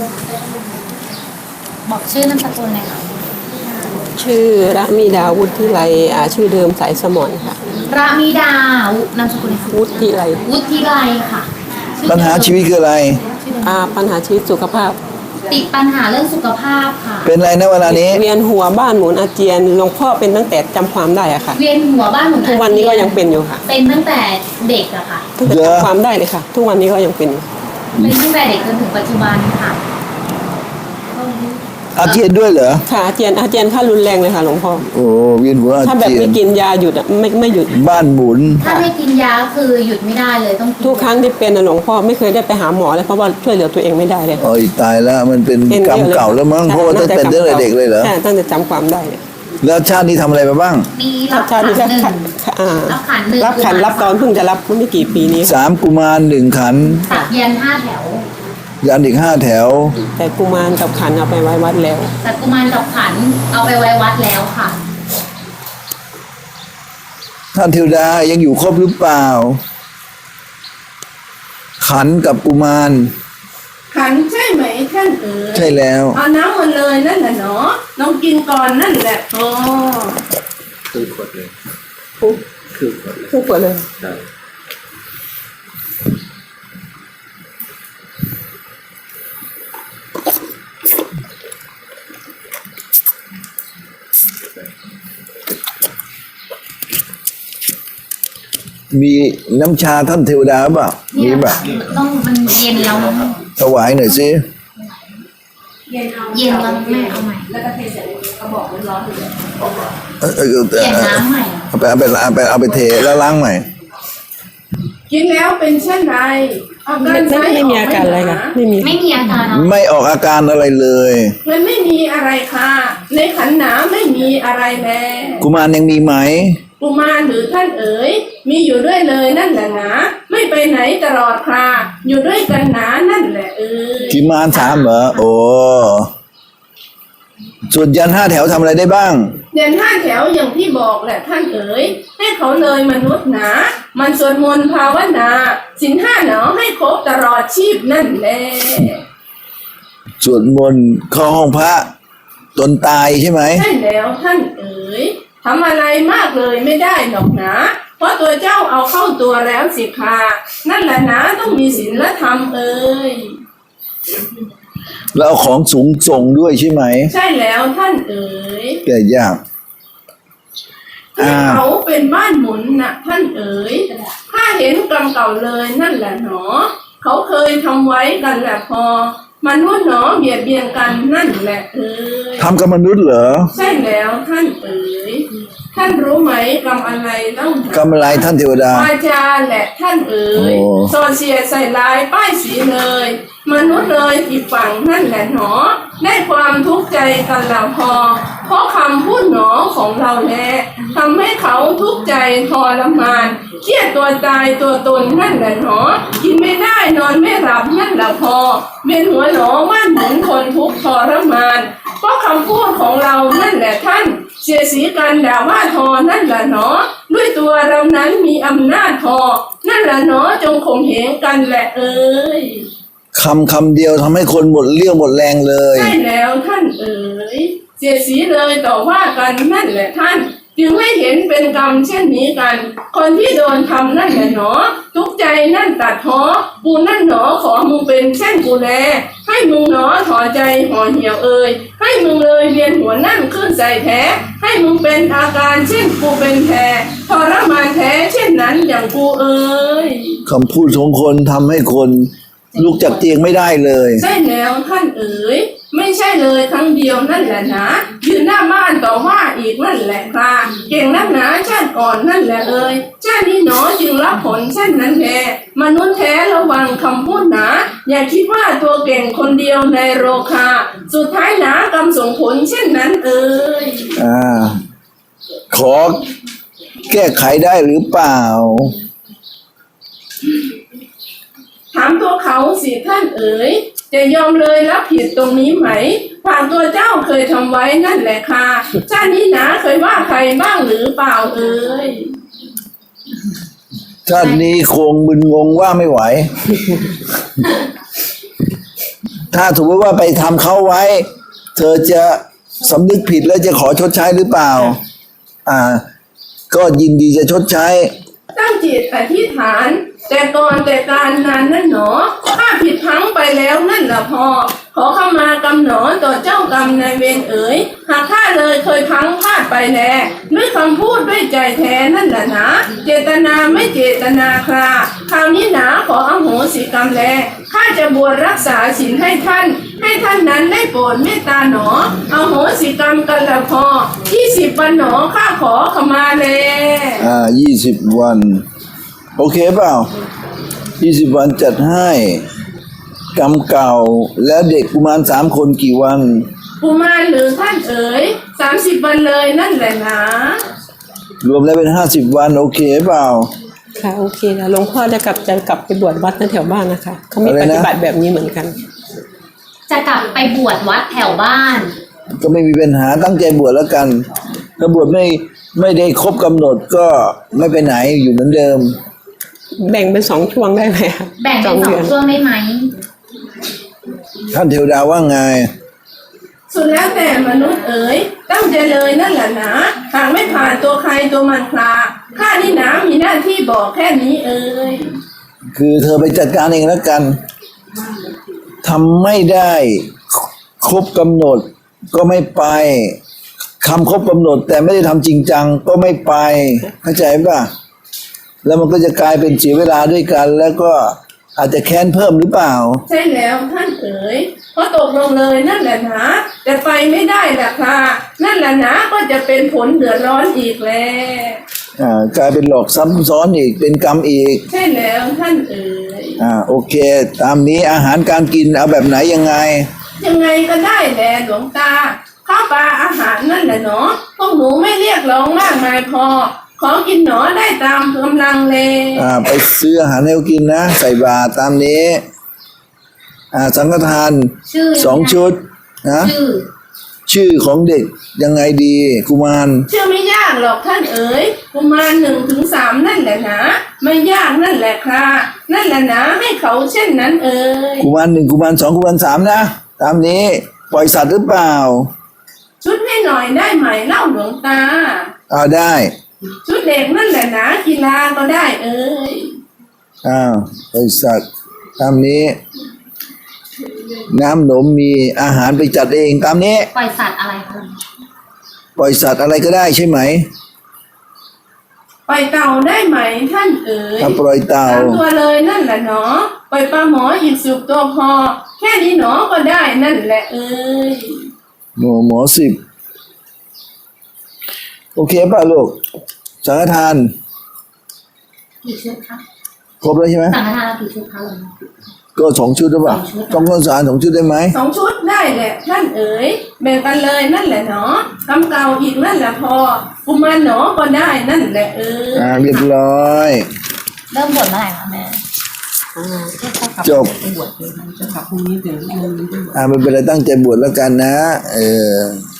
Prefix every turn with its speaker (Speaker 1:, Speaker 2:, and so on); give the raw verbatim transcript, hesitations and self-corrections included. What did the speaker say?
Speaker 1: บอกชื่อนามสกุลเลยค่ะ
Speaker 2: ชื่อระมีดาวุฒิไลอ่าชื่อเดิมสายสมอนค่ะ
Speaker 1: ระมิดานามสกุลค่ะ
Speaker 2: วุฒิไล
Speaker 1: วุฒิไลค่ะ
Speaker 3: ปัญหาชีวิตคืออะไร
Speaker 2: อ่าปัญหาชีวิตสุขภาพ
Speaker 1: ติดปัญหาเรื่องสุขภาพค่ะ
Speaker 3: เป็นอะไรนะเวลานี้
Speaker 2: เวียนหัวบ้านหมุนอาเจียนหลวงพ่อเป็นตั้งแต่จำความได้อะค่ะ
Speaker 1: เวียนหัวบ้านหมุนอาเจียน
Speaker 2: ทุกวันนี้ก็ยังเป็นอยู่ค่ะ
Speaker 1: เป็นตั้งแต่เด็กอะค่ะ
Speaker 2: ตั้งแต่จำความได้เลยค่ะทุกวันนี้ก็ยังเป็น
Speaker 1: เป็นตั้งแต่เด็กจนถึงปัจจุบันค่ะ
Speaker 3: อาเจียนด้วยเหรอ
Speaker 2: ค่ะอาเจียนอาเจียนถ้ารุนแรงเลยค่ะหลวงพ่อ
Speaker 3: โอ้เวียนหัวอาเจียน
Speaker 2: ถ้าแบบไม่กินยาหยุดอะไม่ไม่หยุด
Speaker 3: บ้านหมุน
Speaker 1: ถ้าไม่กินยาคือหยุดไม่ได้เลยต้อง
Speaker 2: ทุกครั้งที่เป็นหลวงพ่อไม่เคยได้ไปหาหมอเลยเพราะว่าช่วยเหลือตัวเองไม่ได้เลย
Speaker 3: โอ้ยตายแล้วมันเป็นกรรมเก่าแล้วมั้งเพราะว่าตั้งแต่เด็กเลยเหรอ
Speaker 2: ใช่ตั้งแต่จำความได้
Speaker 3: แล้วชาตินี้ทำอะไรมาบ้าง
Speaker 1: มีรับขันหนึ่งรับขันหนึ่ง
Speaker 2: รับขันรับตอนเพิ่งจะรับไม่กี่ปีนี้
Speaker 3: สามกุมารหนึ่งขัน
Speaker 1: สักยันห้าแถว
Speaker 3: ยันอีกห้าแถว
Speaker 2: แต่กุมารกับขันเอาไปไว้วัดแล้ว
Speaker 1: แต่กุมารกับขันเอาไปไว้วัดแล้วค่ะ
Speaker 3: ท่านเทวดายังอยู่ครบหรือเปล่าขันกับกุมาร
Speaker 4: ขันใช่ไหมท่านเอ๋ย
Speaker 3: ใช่แล้ว
Speaker 4: เอาน้ำมาเลยนั่นแหละเนาะลองกินก่อนนั่นแหละพอ
Speaker 5: คือขวดเลย
Speaker 2: คือขวดคือขวดเลย
Speaker 3: มีน้ำชาท่านเทวดาเปล่ามีป่ะ
Speaker 1: ต้องมันเย็นแล้ว
Speaker 3: ถวายหน่อยสิ
Speaker 1: เย็นแล้วแม่เอาใหม่แล้วก็เทใส่กระบอกร้อนๆเลยเย็นน้ำใหม่
Speaker 3: เอาไปเอาไปเอาไปเอาไปเทแล้วล้างใหม่
Speaker 4: กินแล้วเป็นเช่นไร
Speaker 2: อาการไม่ไม่มีอาการอะไรค่ะไม่มี
Speaker 1: ไม่มีอาการ
Speaker 3: ไม่ออกอาการอะไรเลย
Speaker 4: มันไม่มีอะไรค่ะในขันหนาไม่มีอะไรแน่
Speaker 3: กุมารยังมีไหม
Speaker 4: กุมารหรือท่านเอ๋ยมีอยู่ด้วยเลยนั่นแหละนะไม่ไปไหนตลอดค่ะอยู่ด้วยกันหนานั่นแหละเอ๋ย
Speaker 3: กุมารสามเหรอโอ้ส่วนยันห้าแถวทำอะไรได้บ้าง
Speaker 4: ยันห้าแถวอย่างที่บอกแหละท่านเอ๋ยให้เขาเลยมนุษย์หนามันสวดมนต์ภาวนาศีลห้าหนอให้ครบตลอดชีพนั่นแหละ
Speaker 3: สวดมนต์เข้าห้องพระตนตายใช่ไหม
Speaker 4: ใช่แล้วท่านเอ๋ยทำอะไรมากเลยไม่ได้หรอกนะเพราะตัวเจ้าเอาเข้าตัวแล้วสิค่ะนั่นแหละนะต้องมีศีลธรรมเอ๋ย
Speaker 3: แล้วเอาของสูงส่งด้วยใช่ไหม
Speaker 4: ใช่แล้วท่านเอ๋ย
Speaker 3: แก่ยาก
Speaker 4: ที่เขาเป็นบ้านหมุนน่ะท่านเอ๋ยถ้าเห็นกรรมเก่าเลยนั่นแหละหนอเขาเคยทำไว้กันแหละพอมนุษย์หนอเบียดเบียนกันนั่นแหละเอ๋ย
Speaker 3: ทำกับมนุษย์เหรอ
Speaker 4: ใช่แล้วท่านเอ๋ยท่านรู้ไหมกรรมอะไรเล่าก
Speaker 3: รรมอะไรท่านเทวดาว
Speaker 4: าจาแหละท่านเอ๋ยโซเชียใส่ลายป้ายสีเลยมนุษย์เลยอีกฝั่งนั่นแหละหนอได้ความทุกข์ใจกันแล้วพอเพราะคำพูดหนอของเราแลทำให้เขาทุกข์ใจทรมานเครียดตัวตายตัวตนนั่นแหละหนอกินไม่ได้นอนไม่หลับนั่นแหละพอเวียนหัวหนอว่านหมุนคนทุกข์ทรมานเพราะคำพูดของเรานั่นแหละท่านเสียสีกันด่าว่าทอนั่นแหละหนอด้วยตัวเรานั้นมีอำนาจพอนั่นแหละหนอจงข่มเหงกันแหละเอ้ย
Speaker 3: คำคำเดียวทำให้คนหมดเรี่ยวหมดแรงเลย
Speaker 4: ใช่แล้วท่านเอ๋ยเสียสีเลยต่อว่ากันนั่นแหละท่านจึงให้เห็นเป็นกรรมเช่นนี้กันคนที่โดนทำนั่นแหละหนอทุกใจนั่นตัดท้อกูนั่นหนอขอมึงเป็นเช่นกูแลให้มึงหนอถอใจห่อเหี่ยวเอ่ยให้มึงเลยเวียนหัวนั่นขึ้นใส่แท้ให้มึงเป็นอาการเช่นกูเป็นแท้ทรมานแท้เช่นนั้นอย่างกูเอ่ย
Speaker 3: คำพูดของคนทำให้คนลุกจากเตียงไม่ได้เลย
Speaker 4: ใช่แล้วท่านเอ๋ยไม่ใช่เลยครั้งเดียวนั่นแหละนะยืนหน้าบ้านต่อว่าอีกนั่นแหละค่ะเก่งนักหนาชาติก่อนนั่นแหละเอ่ยชาตินี้หนอจึงรับผลเช่นนั้นแท้มนุษย์แท้ระวังคำพูดหนาอย่าคิดว่าตัวเก่งคนเดียวในโลกาสุดท้ายหนากรรมส่งผลเช่นนั้นเอ่ย
Speaker 3: อ่าขอแก้ไขได้หรือเปล่า
Speaker 4: ถามตัวเขาสิท่านเอ๋ยจะยอมเลยรับผิดตรงนี้ไหมฝากตัวเจ้าเคยทำไว้นั่นแหละค่ะชาตินี้นะเคยว่าใครบ้างหรือเปล่าเอ๋ย
Speaker 3: ชาตินี้คงมึนงงว่าไม่ไหวถ้าสมมติว่าไปทำเขาไว้ เธอจะสำนึกผิดแล้วจะขอชดใช้หรือเปล่า อ่า ก็ยินดีจะชดใช้
Speaker 4: ตั้งจิตอธิษฐาน แต่ก่อนแต่การนานนั่นหนอข้าผิดพลั้งไปแล้วนั่นละพอ ขอเข้ามากำหนอต่อเจ้ากรรมนายเวรเอ๋ยหากข้าเลยเคยพลั้งพลาดไปแลด้วยคำพูดด้วยใจแท้นั่นแหละนะเจตนาไม่เจตนาคราคราวนี้หนาขออโหสิกรรมแลข้าจะบวชรักษาศีลให้ท่าน ให้ท่านนั้นได้โปรดเมตตาหนออโหสิกรรมกันละพอยี่สิบวันหนอข้าขอขมาแล
Speaker 3: อ่ายี่สิบวัน โอเคเปล่ายี่สิบวันจัดให้กรรมเก่าแล้วเด็กกุมารสามคนกี่วัน
Speaker 4: กุมารหรือท่านเอ๋ยสามสิบวันเลยนั่นแหละนะ
Speaker 3: รวมแล้วเป็นห้าสิบวัน โอเคเปล่า
Speaker 2: ค่ะโอเคนะหลวงพ่อจะกลับจะกลับไปบวชวัดแถวบ้านนะคะเขามี
Speaker 3: อะไร
Speaker 2: ป
Speaker 3: นะ
Speaker 2: ฏิบัติแบบนี้เหมือนกัน
Speaker 1: จะกลับไปบวชวัดแถวบ้าน
Speaker 3: ก็ไม่มีปัญหาตั้งใจบวชแล้วกัน ถ้าบวชไม่ไม่ได้ครบกำหนดก็ไม่ไปไหนอยู่เหมือนเดิม
Speaker 2: แบ่งเป็นสองช่วงได้ไหมคะ
Speaker 1: แบ่งเป็นสอง
Speaker 2: ดืน
Speaker 1: ช่วงได้ไหม
Speaker 3: ท่านเทวดาว่าไง
Speaker 4: สุดแล้วแต่มนุษย์เอ๋ยตั้งใจเลยนั่นแหละนะหากไม่ผ่านตัวใครตัวมันคลาข้านี่นะมีหน้าที่บอกแค่นี้เอ๋ย
Speaker 3: คือเธอไปจัดการเองแล้วกันทำไม่ได้ครบกำหนดก็ไม่ไปคำครบกำหนด แต่ไม่ได้ทำจริงจังก็ไม่ไปเข้าใจป่ะแล้วมันก็จะกลายเป็นเสียเวลาด้วยกัน แล้วก็อาจจะแค้นเพิ่มหรือเปล่า
Speaker 4: ใช่แล้วท่านเอ๋ยพอตกลงเลยนั่นแหละนะแต่ไปไม่ได้แหละค่ะนั่นแหละนะก็จะเป็นผลเดือดร้อนอีกแล้ว
Speaker 3: อ่ากลายเป็นหลอกซ้ำซ้อนอีกเป็นกรรมอีก
Speaker 4: ใช่แล้วท่านเอ๋ย
Speaker 3: อ่าโอเค ตามนี้อาหารการกินเอาแบบไหนยังไง
Speaker 4: ยังไงก็ได้แหละหลวงตาข้าวปลาอาหารนั่นแหละเนาะพวกหนูไม่เรียกร้องมากมายพอ ขอกินหนอได้ตามกำลังเลย
Speaker 3: อ่าไปซื้ออาหารให้เขากินนะ ใส่บาตรตามนี้ อ่าสังฆทาน
Speaker 1: ชื่อ
Speaker 3: สองชุดนะ
Speaker 1: ชื่อ
Speaker 3: ชื่อของเด็กยังไงดีกุมาร
Speaker 4: เชื่อไม่ยากหรอกท่านเอ๋ยกุมารหนึ่งถึงสามนั่นแหละนะไม่ยากนั่นแหละค่ะนั่นแหละนะให้เขาเช่นนั้นเอ๋ย
Speaker 3: กุมารหนึ่งกุมารสองกุมารสามนะตามนี้ปล่อยสัตว์หรือเปล่า
Speaker 4: ชุดให้หน่อยได้ไหมเล่าหลวงตา
Speaker 3: อ่าได้
Speaker 4: ชุดเด็กนั่นแหละนะกีฬาก็ได้เอ๋ย
Speaker 3: อ้าวปล่อยสัตว์ตามนี้ น้ำหนมมีอาหารไปจัดเองตามนี้
Speaker 1: ปล่อยสัตว์อะไรคะ
Speaker 3: ปล่อยสัตว์อะไรก็ได้ใช่ไหม
Speaker 4: ปล่อยเต่าได้ไหมท่านเอ๋ย
Speaker 3: ถ้าปล่อยเต่า
Speaker 4: สามตัวเลยนั่นแหละเนาะปล่อยปลาหมออีกสิบตัวพอ แค่นี้หนอก็ได้นั่นแหละเอ๋ย
Speaker 3: หมอหมอสิบโอเคป่ะลูกสังฆทาน
Speaker 1: กี่ชุดคะ
Speaker 3: ครบแล้วใช่ไหม
Speaker 1: สังฆทานกี่ชุดคะหลวง
Speaker 3: ก็สองชุดหรือเปล่า
Speaker 1: สองชุด
Speaker 3: ต้องข้าวสารสองชุดได้ไหม
Speaker 4: สองชุดได้แหละท่านเอ๋ยแบ่งกันเลยนั่นแหละเนาะกำเก่าอีกนั่นแหละพอกุมารหนอก็ได้นั่นแหละเอ๋ย
Speaker 3: อ่าเรียบร้อย
Speaker 1: เริ่มบวชเมื่อไหร่คะแม่
Speaker 3: จบ
Speaker 2: บวชเลยจะกลับพรุ่งนี้เดี๋ยว
Speaker 3: อ่าไม่เป็นไรตั้งใจบวชแล้วกันนะ เออ